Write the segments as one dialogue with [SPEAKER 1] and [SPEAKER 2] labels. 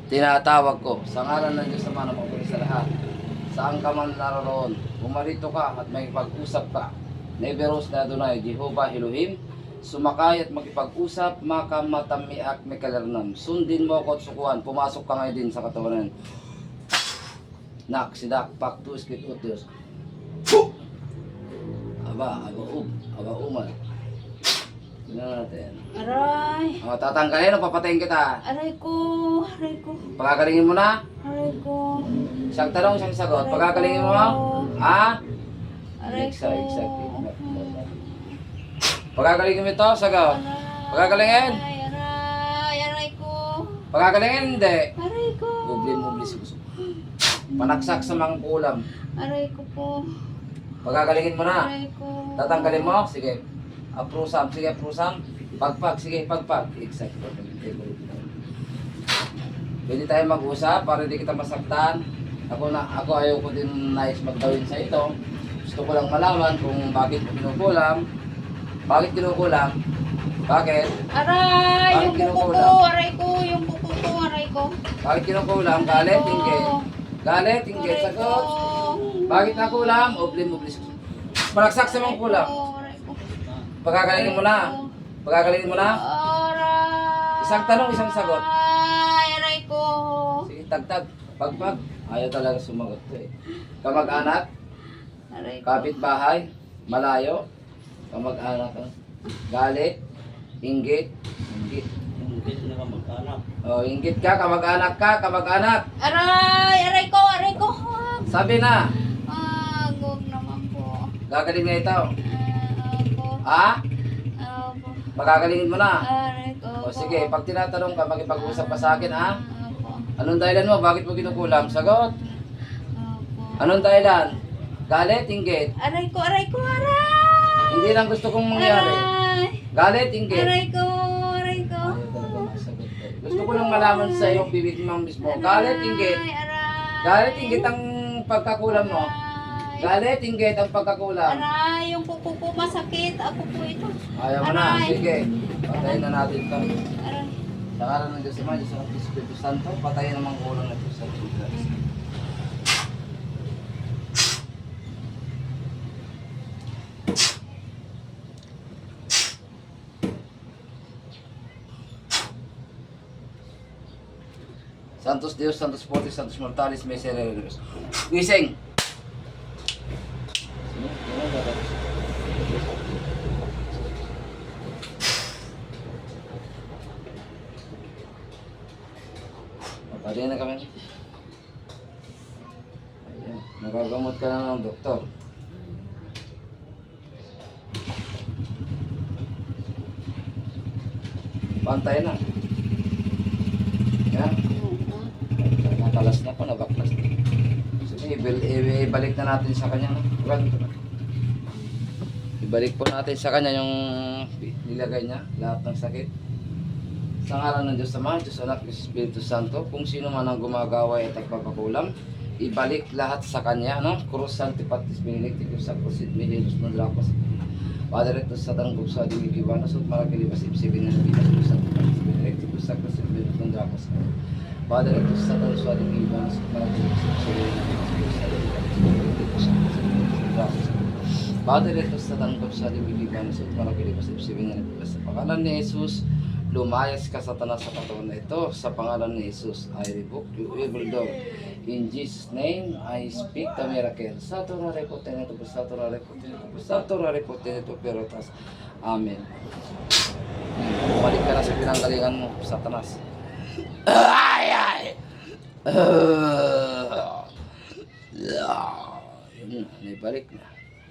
[SPEAKER 1] tinatawag ko sa ngalan ng Diyos na manamagpuli sa lahat. Saan ka man naroon, pumarito ka at may pag-usap ka. Neberos na Adonai, Jehovah Elohim, sumakay at makipag-usap, makamatamiak may kalarnam. Sundin mo ako at sukuhan, pumasok ka ngayon din sa katawan. Nak, sidak, paktu, skit, utios. Aba, aba, umal. Tingnan natin.
[SPEAKER 2] Aray.
[SPEAKER 1] O, tatanggalin o papatayin kita.
[SPEAKER 2] Aray ko. Aray ko.
[SPEAKER 1] Pagagalingin mo na.
[SPEAKER 2] Aray ko.
[SPEAKER 1] Isang tanong, isang sagot.
[SPEAKER 2] Aray
[SPEAKER 1] Pagagalingin mo.
[SPEAKER 2] ko.
[SPEAKER 1] Ha?
[SPEAKER 2] Aray ko.
[SPEAKER 1] Pagagalingin mo ito, sagot. Pagagalingin.
[SPEAKER 2] Aray ko.
[SPEAKER 1] Pagagalingin, hindi.
[SPEAKER 2] Aray ko.
[SPEAKER 1] Mubli, suso. Panaksak sa mga kulam.
[SPEAKER 2] Aray ko po.
[SPEAKER 1] Pagagalingin mo na.
[SPEAKER 2] Aray ko.
[SPEAKER 1] Tatanggalin mo? Sige. Aprusam. Sige, aprusam. Pagpag. Sige, pagpag. Exact. Pwede tayo mag-usap para hindi kita masaktan. Ako ayaw ko din nais magdawin sa ito. Gusto ko lang malaman kung bakit kinukulam. Bakit kinukulam? Bakit?
[SPEAKER 2] Aray!
[SPEAKER 1] Bakit
[SPEAKER 2] Yung kuko ko!
[SPEAKER 1] kinukulam?
[SPEAKER 2] Aray ko! Yung kuko ko! Aray ko!
[SPEAKER 1] Bakit kinukulam? Galit, inggit. Galit, inggit.
[SPEAKER 2] Aray ko!
[SPEAKER 1] Sagot. Bakit nakulam? Ublim. Malaksak sa mga kulam.
[SPEAKER 2] Aray ko!
[SPEAKER 1] Pagagalingin mo na. Pagagalingin mo na.
[SPEAKER 2] Aray!
[SPEAKER 1] Isang tanong, isang sagot.
[SPEAKER 2] Aray ko!
[SPEAKER 1] Sige, tagtag. Pagpag. Ayaw talaga sumagot to eh. Kamag-anak,
[SPEAKER 2] Aray ko!
[SPEAKER 1] kapitbahay, malayo, kamag-anak, galit, inggit.
[SPEAKER 3] Inggit na kamag-anak.
[SPEAKER 1] Oh, inggit ka, kamag-anak ka, kamag-anak.
[SPEAKER 2] Aray! Aray ko! Aray ko!
[SPEAKER 1] Sabi na,
[SPEAKER 2] Huwag naman po.
[SPEAKER 1] gagaling na ito.
[SPEAKER 2] Ako.
[SPEAKER 1] Ha?
[SPEAKER 2] Ako.
[SPEAKER 1] Magagalingin mo na.
[SPEAKER 2] Aray ko.
[SPEAKER 1] O sige, pag tinatanong ka, makipag-usap ka sa akin, ha?
[SPEAKER 2] Ako.
[SPEAKER 1] Anong dahilan mo? Bakit mo kinukulam? Sagot.
[SPEAKER 2] Ako.
[SPEAKER 1] Anong dahilan? Galit, inggit.
[SPEAKER 2] Aray ko! Aray ko! Aray!
[SPEAKER 1] Hindi lang gusto kong mangyari.
[SPEAKER 2] Aray!
[SPEAKER 1] Galit, inggit.
[SPEAKER 2] Aray ko! Aray ko!
[SPEAKER 1] Ayaw talaga masagot ko. Gusto ko lang malaman sa iyong bibig mo mismo. Galit, inggit.
[SPEAKER 2] Aray!
[SPEAKER 1] Galit, inggit ang pagkakulam mo. Galit, inggit ang pagkakulam.
[SPEAKER 2] Aray! Yung kuko ko masakit. Ako po ito.
[SPEAKER 1] Ayaw mo na.
[SPEAKER 2] Aray.
[SPEAKER 1] Sige. Patayin na natin ito.
[SPEAKER 2] Aray.
[SPEAKER 1] Sa ngalan ng Diyos Ama, Diyos ng Espiritu Santo, patayin ang mga kulang na Diyos sa Jesus. Santos Deus, Santos Fortis, Santos Mortalis, Misericors. Gising! Pwede na kami. Ayan. Nagagamot ka na ng doktor. Pantay na. Yan. Nakalas na po, nabaklas na. Sige, ibalik na natin sa kanya. Ibalik po natin sa kanya yung nilagay niya, lahat ng sakit. Sa ngalan ng Diyos Ama, Diyos Anak, Diyos Espiritu Santo, kung sino man ang gumagaway at nagpapakulam, ibalik lahat sa Kanya, no? Krus Sanctipatis Benedictus Sacrosit Mihilos Mandrapas. Padre ito sa tanggap sa Dimig Iwanos at Marakilibas Ibsibin ng Krus Sanctipatis Benedictus Sacrosit Mihilos Mandrapas. Padre ito sa tanggap sa Dimig Iwanos at Marakilibas Ibsibin ng Krus Sanctipatis Benedictus Mandrapas. Padre ito sa tanggap sa Dimig Iwanos at Marakilibas Ibsibin ng Krus Sanctipatis. Sa pangalan ni Jesus, lumayas ka Satanas sa katawan na ito. Sa pangalan ni Jesus, I rebuke you, evil dog. In Jesus' name, I speak the miracle. Satura repoteneto, satura repoteneto, satura repoteneto, perotas. Amen. Bumalik ka na sa pinanggalingan mo, Satanas. Ay! Yun na, naibalik na.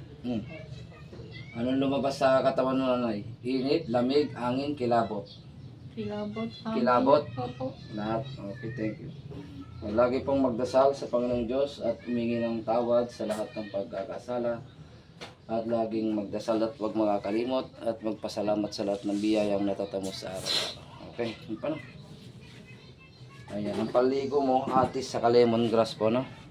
[SPEAKER 1] Anong lumabas sa katawan mo, nanay? Init, lamig, angin, kilabot.
[SPEAKER 2] Kilabot.
[SPEAKER 1] Kilabot?
[SPEAKER 2] Opo.
[SPEAKER 1] Lahat. Okay, thank you. Lagi pong magdasal sa Panginoong Diyos at humingi ng tawad sa lahat ng pagkakasala. At laging magdasal at huwag makakalimot at magpasalamat sa lahat ng biyayang natatamo sa araw-araw. Okay, yun pa na. Ayan, ang paligo mo, atis sa lemongrass po, no?